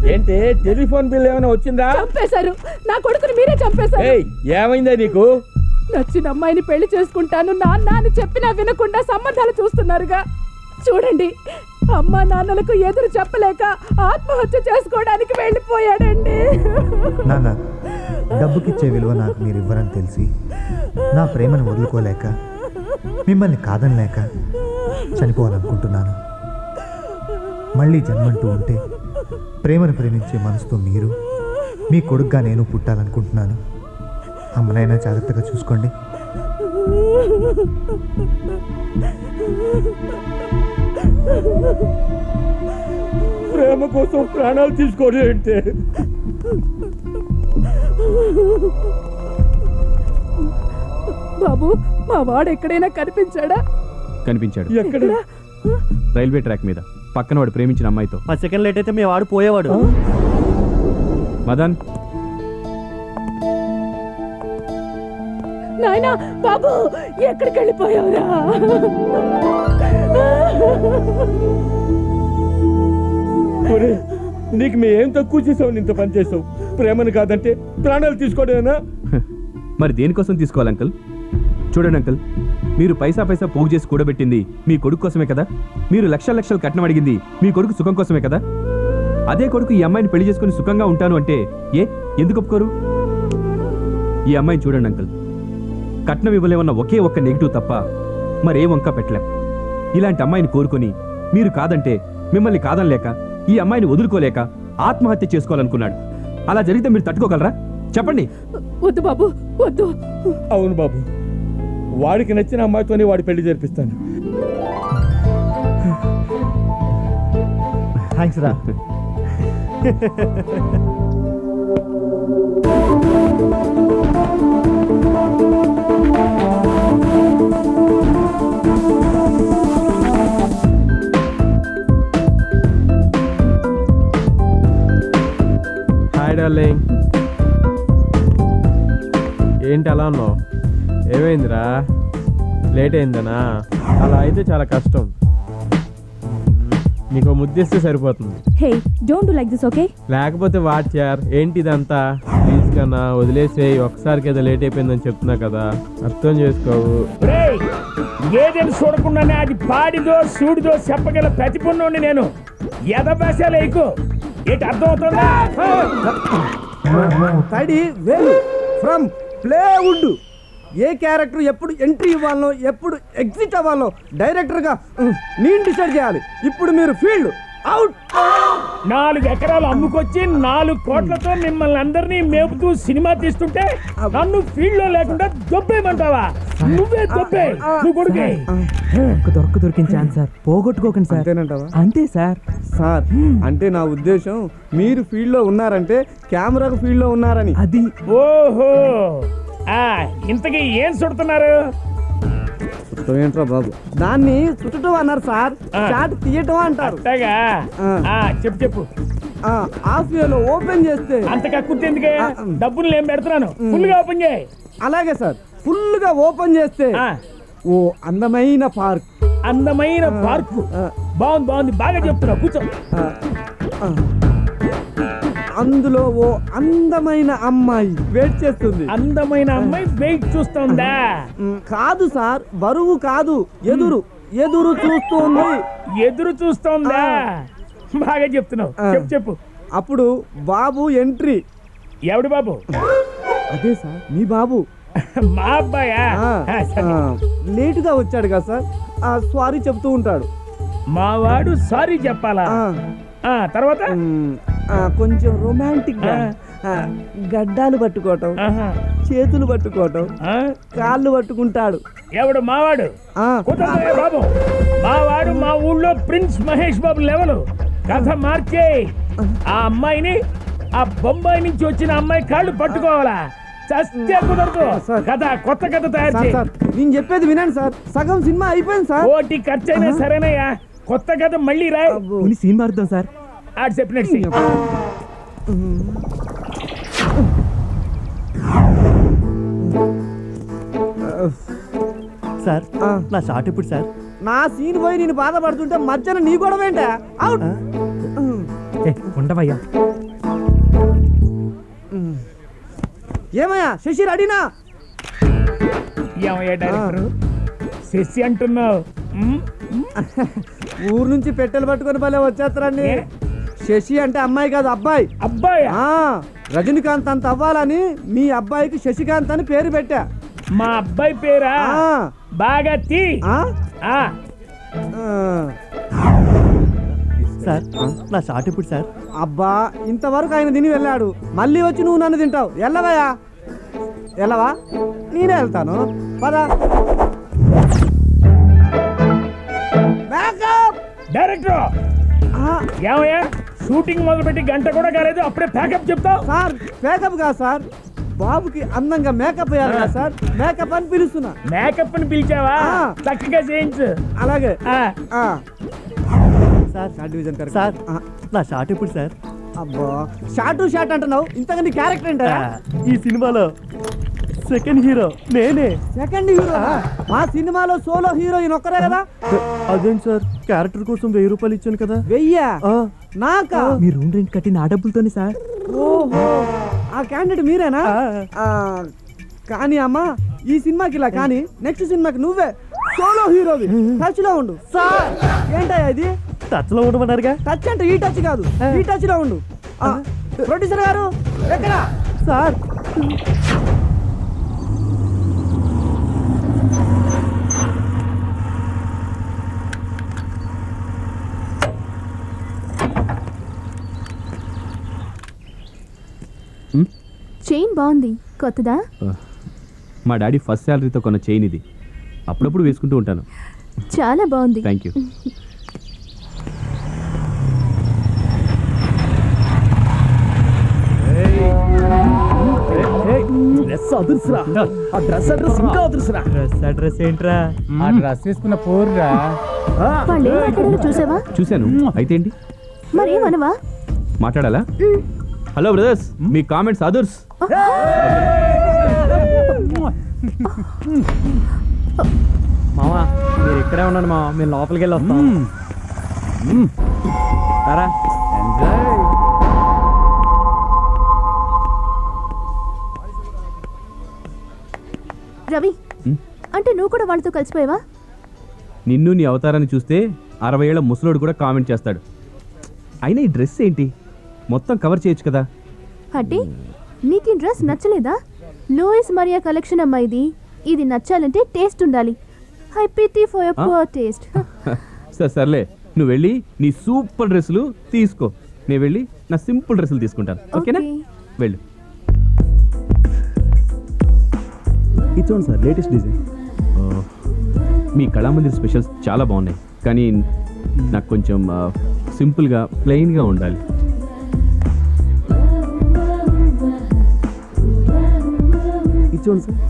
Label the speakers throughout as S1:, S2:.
S1: ఏంటి telephone bill ఏమైనా వచ్చిందా?
S2: చంపేశారు నా కొడుకుని, మీరే చంపేశారు.
S1: ఏమైందా నీకు?
S2: నచ్చిన అమ్మాయిని పెళ్లి చేసుకుంటాను నాన్న అని చెప్పినా వినకుండా సంబంధాలు చూస్తున్నారుగా. చూడండి, అమ్మా నాన్నలకు ఎదురు చెప్పలేక ఆత్మహత్య చేసుకోవడానికి వెళ్ళిపోయాడండి.
S3: నాన్న, డబ్బుకిచ్చే విలువ నాకు మీరు ఇవ్వరని తెలిసి నా ప్రేమను వదులుకోలేక మిమ్మల్ని కాదనలేక చనిపోవాలనుకుంటున్నాను. మళ్ళీ జన్మంటూ ఉంటే ప్రేమను ప్రేమించే మనసుతో మీరు, మీ కొడుకుగా నేను పుట్టాలనుకుంటున్నాను. అమ్మనైనా జాగ్రత్తగా చూసుకోండి.
S1: ప్రేమ కోసం ప్రాణాలు తీసుకోవడం ఏంటి?
S2: బాబు, మా వాడు ఎక్కడైనా కనిపించాడా?
S4: కనిపించాడు.
S1: ఎక్కడ?
S4: రైల్వే ట్రాక్ మీద, పక్కన వాడు ప్రేమించిన అమ్మాయితో.
S5: 10 సెకండ్ లేట్ అయితే మీ వాడు పోయేవాడు.
S4: మదన్,
S2: నాయనా బాబు, ఎక్కడికి వెళ్ళిపోయావురా?
S1: నీకు మేము ఏం తక్కువ చేసావు? ఇంత పని చేసావు. ప్రేమను కాదంటే ప్రాణాలు తీసుకోవడమేనా?
S4: మరి దేనికోసం తీసుకోవాలి అంకుల్? చూడండి అంకుల్, మీరు పైసా పోగు చేసి కూడబెట్టింది మీ కొడుకు కోసమే కదా. మీరు లక్షలు కట్నం అడిగింది మీ కొడుకు సుఖం కోసమే కదా. అదే కొడుకు ఈ అమ్మాయిని పెళ్లి చేసుకుని సుఖంగా ఉంటాను అంటే ఎందుకు ఒప్పుకోరు? ఈ అమ్మాయిని చూడండి అంకుల్, కట్నం ఇవ్వలేమన్న ఒకే ఒక్క నెగిటివ్ తప్ప మరే వంక పెట్టలేం. ఇలాంటి అమ్మాయిని కోరుకొని మీరు కాదంటే మిమ్మల్ని కాదనలేక, ఈ అమ్మాయిని వదులుకోలేక ఆత్మహత్య చేసుకోవాలనుకున్నాడు. అలా జరిగితే మీరు తట్టుకోగలరా? చెప్పండి.
S2: వద్దు బాబు, వద్దు.
S1: అవును బాబు, వాడికి నచ్చిన అమ్మాయితోనే వాడి పెళ్లి జరిపిస్తాను.
S3: థ్యాంక్స్ రా.
S6: హాయ్ డార్లింగ్, ఏంటి అలా ఉన్నావు? ఏమైందిరా? లేట్ అయిందనా? అలా అయితే చాలా కష్టం. నీకు ముద్దిస్తే సరిపోతుంది.
S7: Hey, don't do like this, okay?
S6: లేకపోతే వాట్ యార్, ఏంటి ఇదంతా? ప్లీజ్ కన్నా వదిలేసేయి. ఒకసారికి ఏదో లేట్ అయిపోయిందని చెప్తున్నా కదా, అర్థం చేసుకోవు.
S1: ఏదేని చూడకుండానే అది పాడిదో సూడిదో చెప్పగల ప్రతిపన్నుండి నేను. ఎదభాషాలు ఎక్కువ ఏంటి అర్థం అవుతుందా?
S5: వేలు ఫ్రమ్ ప్లేవుడ్. ఏ క్యారెక్టర్ ఎప్పుడు ఎంట్రీ ఇవ్వాలనో, ఎప్పుడు ఎగ్జిట్ అవ్వాలనో డైరెక్టర్గా నేను డిసైడ్ చేయాలి. ఇప్పుడు మీరు ఫీల్డ్ అవుట్.
S1: 4 ఎకరాలు అమ్ముకొచ్చి 4 కోట్లతో మిమ్మల్ని అందరినీ మేపుతూ సినిమా తీస్తుంటే నన్ను ఫీల్డ్ లో లేకుండా దొబ్బేయమంటావా? నువ్వే దొబ్బే, నువ్వు కొడుకే.
S5: దొరికిన ఛాన్స్ సార్, పోగొట్టుకోకండి సార్. అంతేనంటావా? అంతే సార్. సార్ అంటే నా ఉద్దేశం, మీరు ఫీల్డ్ లో ఉన్నారంటే కెమెరాకు ఫీల్డ్ లో ఉన్నారని. అది
S1: ఓహో, ఇంతకీ ఏం చుడుతున్నారు?
S5: ఏంట్రా బాబు, దాన్ని చుట్టడం అన్నారు సార్, షాట్ తీయటం అంటారు.
S1: చెప్పు.
S5: హాఫ్ లో ఓపెన్ చేస్తే
S1: అంత కక్కుర్తెందుకే? డబ్బులు ఏం పెడుతున్నాను, ఫుల్ గా ఓపెన్ చేయి.
S5: అలాగే సార్, ఫుల్ గా ఓపెన్ చేస్తే ఓ అందమైన పార్క్.
S1: అందమైన పార్క్ బాగుంది, బాగా చెప్తున్నా, కూర్చో.
S5: అందులో ఓ అందమైన అమ్మాయి వెయిట్ చేస్తుంది.
S1: అందమైన అమ్మాయి వెయిట్ చూస్తుందా?
S5: కాదు సార్, బరువు కాదు, ఎదురు చూస్తుంది.
S1: ఎదురు చూస్తుందా? బాగా చెప్తున్నావు, చెప్పు.
S5: అప్పుడు బాబు ఎంట్రీ.
S1: ఎవడు బాబు?
S5: అదే సార్, మీ బాబు.
S1: మా అబ్బాయా?
S5: లేటుగా వచ్చాడు కదా సార్, సారీ చెప్తూ ఉంటాడు.
S1: మావాడు సారీ చెప్పాలా? తర్వాత
S5: కొంచెం రొమాంటిక్ గా గడ్డాలు పట్టుకోవటం, చేతులు పట్టుకోవటం, కాళ్ళు పట్టుకుంటాడు.
S1: ఎవడు? మావాడు. బాబు, మావాడు మా ఊళ్ళో ప్రిన్స్ మహేష్ బాబు లెవెల్. కథ మార్చే ఆ అమ్మాయిని, ఆ బొంబాయి నుంచి వచ్చిన అమ్మాయి కాళ్ళు పట్టుకోవాలా? చస్తే కుదరదు. కథ, కొత్త కథ తయారు చేయి.
S5: నేను చెప్పేది వినండి సార్, సగం సినిమా అయిపోయింది సార్.
S1: కోటి ఖర్చు అయినా సరేనయ్యా, కొత్త కథ మళ్ళీ రాయి.
S5: సీన్ మారుద్దాం సార్.
S1: ఆడు చెప్పినట్టు
S5: సార్, నా షాట్ ఇప్పుడు సార్. నా సీన్ పోయి నేను బాధపడుతుంటే మధ్యన నీ గొడవ ఏంటా? అవుట్. ఉండవయ్యా. ఏమయ్యా శశి రెడీనా?
S1: ఏమయ్యా డైరెక్టర్ శశి అంటున్నావు?
S5: ఊరు నుంచి పెట్టెలు పట్టుకొని భలే వచ్చేస్తారండి.
S1: ఏ?
S5: శశి అంటే అమ్మాయి కాదు అబ్బాయి.
S1: అబ్బాయి
S5: ఆ, రజనీకాంత్ అంత అవ్వాలని మీ అబ్బాయికి శశికాంత్ అని పేరు పెట్టా.
S1: మా అబ్బాయి పేరా?
S5: ఆ,
S1: బాగా తీ.
S5: ఆ,
S1: ఆ,
S5: ఆ.
S8: సార్ నా షార్ట్ ఇప్పుడు సార్.
S5: అబ్బా ఇంతవరకు ఆయన తిని వెళ్ళాడు, మళ్ళీ వచ్చి నువ్వు నన్ను తింటావు. వెళ్ళవయ్యా, వెళ్ళవా? నేనే వెళ్తాను, పదా.
S1: డైరెక్టర్ ఏమయ్యా షూటింగ్ మొదలుపెట్టి గంట కూడా కాలేదు అప్పుడే ప్యాకప్ చెప్తావు?
S5: సార్ మేకప్ కాదు సార్, బాబుకి అందంగా మేకప్ వేయాలి కదా సార్, మేకప్ అని పిలుస్తున్నా.
S1: మేకప్ ని పిలిచావా?
S5: ఆ.
S1: చక్కగా చేయించు.
S5: అలాగే.
S1: ఆ,
S5: ఆ.
S8: Sir
S5: short division correct.
S8: Sir
S5: ఆ,
S8: నా షార్ట్ ఇప్పుడు సార్.
S5: అబ్బా షార్ట్ అంటున్నావు, ఇంతగా నీ క్యారెక్టర్ ఏంటా?
S8: ఈ సినిమాలో సెకండ్ హీరో నేనే.
S5: Second hero? మా సినిమాలో సోలో హీరోయిన్ ఒక్కరే కదా.
S8: అదేంటి సార్, క్యారెక్టర్ కోసం 1000 రూపాయలు ఇచ్చాను కదా.
S5: వెయ్యా? నాకా?
S8: మీ రూమ్ రెంట్ కట్టిన ఆ డబ్బులతోనే సార్.
S5: ఓహో, ఆ క్యాండిడేట్ మీరేనా? ఆ, కానీ అమ్మా ఈ సినిమాకి ఇలా కానీ నెక్స్ట్ సినిమాకి నువ్వే సోలో హీరోవి. టచ్ లో ఉండు. సార్ ఏంటయ్యా ఇది?
S8: టచ్ లో ఉండమన్నారుగా.
S5: టచ్ అంటే ఈ టచ్ కాదు, ఈ టచ్ లో ఉండు. ప్రొడ్యూసర్ గారు ఎక్కడ?
S8: సార్
S7: చైన్ బాగుంది, కొత్తదా?
S4: మా డాడీ ఫస్ట్ శాలరీతో కొన్న చైన్ ఇది. అప్పుడప్పుడు వేసుకుంటూ ఉంటాను.
S7: చాలా బాగుంది.
S4: Thank you.
S1: డ్రెస్ అదుర్సురా. ఆ డ్రెస్ అడ్రస్ ఇంకా అదుర్సురా.
S8: అడ్రస్ ఏంట్రా?
S1: ఆ డ్రెస్ వేసుకున్న పోర్రా.
S7: వాళ్ళు ఏం మాట్లాడారో చూసావా?
S4: చూశాను. అయితే ఏంటి?
S7: మరేమనవా?
S4: మాట్లాడాలా? హలో బ్రదర్స్, మీ కామెంట్స్ అదర్స్.
S8: మావా మీరు ఇక్కడే ఉన్నాను మావా, మేము లోపలికి వెళ్ళి వస్తాం. సరా
S7: రవి, అంటే నువ్వు కూడా వాళ్ళతో కలిసిపోయావా?
S4: నిన్ను నీ అవతారాన్ని చూస్తే 60 ఏళ్ల ముసలోడు కూడా కామెంట్ చేస్తాడు. అయినా ఈ డ్రెస్ ఏంటి? మొత్తం కవర్ చేయొచ్చు కదా.
S7: అంటే నీకు ఈ డ్రెస్ నచ్చలేదా? లూయిస్ మరియా కలెక్షన్ అమ్మా ఇది. ఇది నచ్చాలంటే టేస్ట్ ఉండాలి. I pity for your poor taste.
S4: సర్లే, నువ్వు వెళ్ళి నీ సూపర్ డ్రెస్సులు తీసుకో, నేను వెళ్ళి నా సింపుల్ డ్రెస్సులు తీసుకుంటాను. ఓకేనా? వెళ్ళు.
S8: ఇది చూడండి సార్, లేటెస్ట్ డిజైన్.
S4: మీ కళామందిర్ స్పెషల్స్ చాలా బాగున్నాయి, కానీ నాకు కొంచెం సింపుల్గా ప్లెయిన్గా ఉండాలి.
S8: ఇది చూడండి సార్.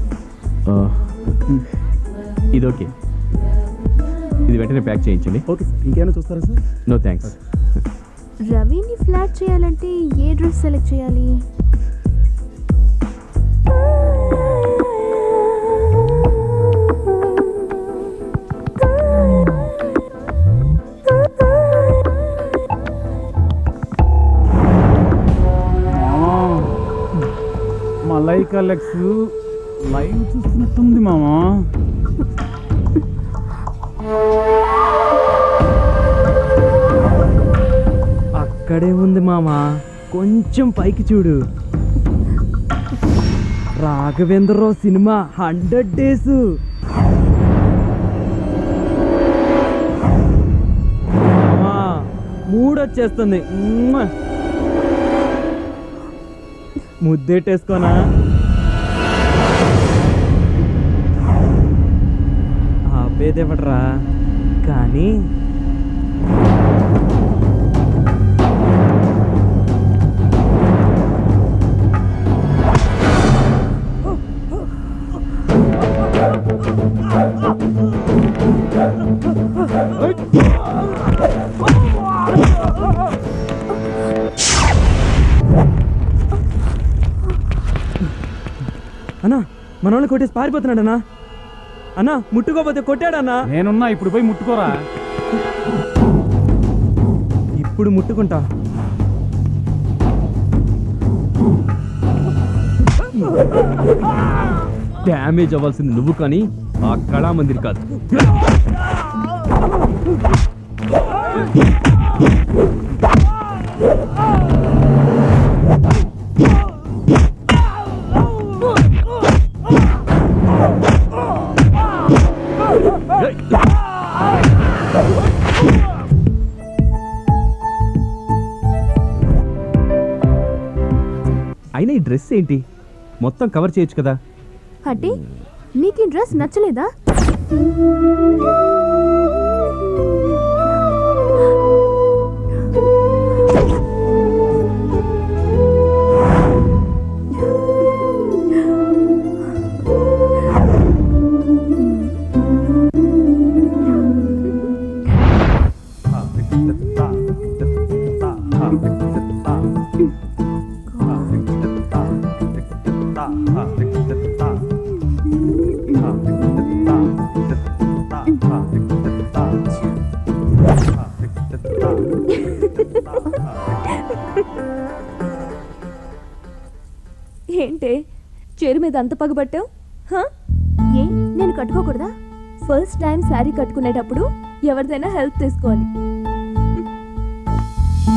S4: ఇది ఓకే, ఇది వెంటనే ప్యాక్ చేయించండి.
S8: ఓకే సార్, ఇంకేమైనా చూస్తారా సార్?
S4: No thanks.
S7: రవిని ఫ్లాట్ చేయాలంటే ఏ డ్రెస్ సెలెక్ట్ చేయాలి?
S9: మలైకా లెక్స్ లైవ్ చూస్తున్నట్టుంది మామా.
S8: అక్కడే ఉంది మామా, కొంచెం పైకి చూడు. Raghavendra Rao cinema 100 days. మూడొచ్చేస్తుంది. ముద్దెట్టేసుకోనా? ఆపేదేవట్రా కానీ అన్నా మన వాళ్ళు కొట్టేసి పారిపోతున్నాడన్నా. అన్నా ముట్టుకోపోతే కొట్టాడన్నా.
S9: నేనున్నా, ఇప్పుడు పోయి ముట్టుకోరా.
S8: ఇప్పుడు ముట్టుకుంటా.
S4: డ్యామేజ్ అవ్వాల్సింది నువ్వు కానీ ఆ కళామందిర్ కాదు. అయినా ఈ డ్రెస్ ఏంటి? మొత్తం కవర్ చేయొచ్చు కదా.
S7: అంటే నీకు ఈ డ్రెస్ నచ్చలేదా?
S2: ఏంటే చీర మీద అంత పగబట్టావు?
S7: ఏ నేను కట్టుకోకూడదా?
S2: ఫస్ట్ టైం శారీ కట్టుకునేటప్పుడు ఎవరిదైనా హెల్ప్ తీసుకోవాలి.